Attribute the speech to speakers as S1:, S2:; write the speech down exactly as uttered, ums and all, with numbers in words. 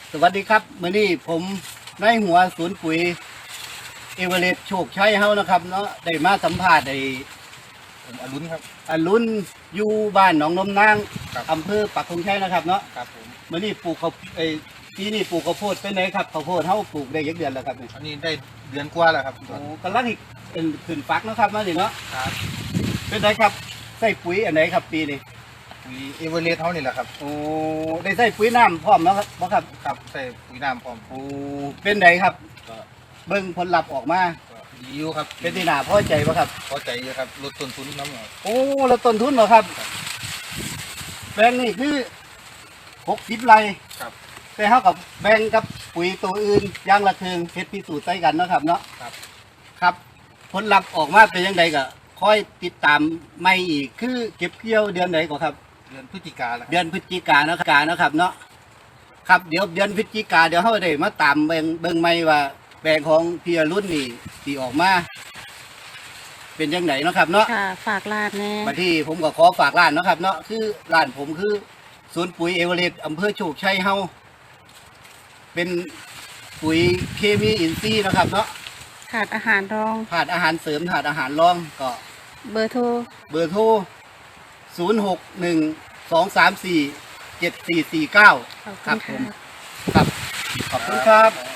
S1: สวัสดีครับมื้อนี้ผมนายหัวศูนย์ปุ๋ยเอเวอเรสต์โชคชัยเฮานะครับเนาะได้มาสัมภาษณ์ไอ้
S2: ผมอรุณครับ
S1: อรุณอยู่บ้านหนองนมนาง
S2: ครับ
S1: อำเภอปักธงชัยนะครับเนาะ
S2: ครับผม
S1: มื้อนี้ปลูกข้าวไอ้ปีนี้ปลูกข้าวโพดเป็นไงครับข้าวโพดเฮาปลูกได้ยักเดือนแล้วครับนี่
S2: อันนี้ได้เดือนกว่าแล้วครับ
S1: โอ้กำลังอีกเป็นขึ้นฟักเนาะครับมาสิเนาะ
S2: ครับ
S1: เป็นไงครับใส่ปุ๋ยอันไหนครับปีนี้
S2: ปุ๋ยเอเวอเรสต์เท่านี่แหละครับ
S1: โอ้ได้ใส่ปุ๋ยน้ำพร้อมแล้วครับบ่ครับ
S2: ครับใส่ปุ๋ยน้ำพร้อม
S1: โอ้เป็นไงครับ
S2: ก็
S1: เบิ่งผลลัพธ์ออกมา
S2: ก็ดีอยู่ครับ
S1: เป็นที่น่าพอใจบ่ครับ
S2: พอใจอยู่ครับลดต้นทุนน้ำหน่อย
S1: โอ้แล้วต้นทุนเหรอครับแบงค์นี่คือหกสิบไร่
S2: ครับ
S1: แต่เท่ากับแบ่งกับปุ๋ยตัวอื่นอย่างละครึ่งเฮ็ดพิสูจน์ใส่กันเนาะครับเนาะ
S2: ครับ
S1: ครับ ผลลัพธ์ออกมาเป็นยังไงก็คอยติดตามไม่อีกคือเก็บเกี่ยวเดือนไหนก่อนครับ
S2: เดือนพฤศจิกาแล้วครับ
S1: เดือนพฤศจิกายนกานะครับเนาะครับเดี๋ยวเดือนพฤศจิกาเดี๋ยวเขาได้มาตามเบิ่งเบิ่งไม่ว่าแบงของพี่อรุ่นนี่ที่ออกมา เป็นยังไงเนาะครับเนาะ
S3: ค่ะฝากร้านแน่
S1: มาที่ผมก็ขอฝากร้านเนาะครับเนาะคือร้านผมคือศูนย์ปุ๋ยเอเวอเรสต์อำเภอโชคชัยเฮาเป็นปุ๋ยเคมีอินทรีย์นะครับเนาะ
S3: ขาดอาหารรอง
S1: ถาดอาหารเสริมถาดอาหารรองก็
S3: เบอร์โทร
S1: เบอร์โทรศูนย์หกหนึ่งสองสามสี่เจ็ดสี่สี่เก้า
S3: ขอบ
S1: ค
S3: คุ
S1: รับ
S3: ณ
S1: ผม
S3: ค่ะ
S1: ครับขอบคุณครับ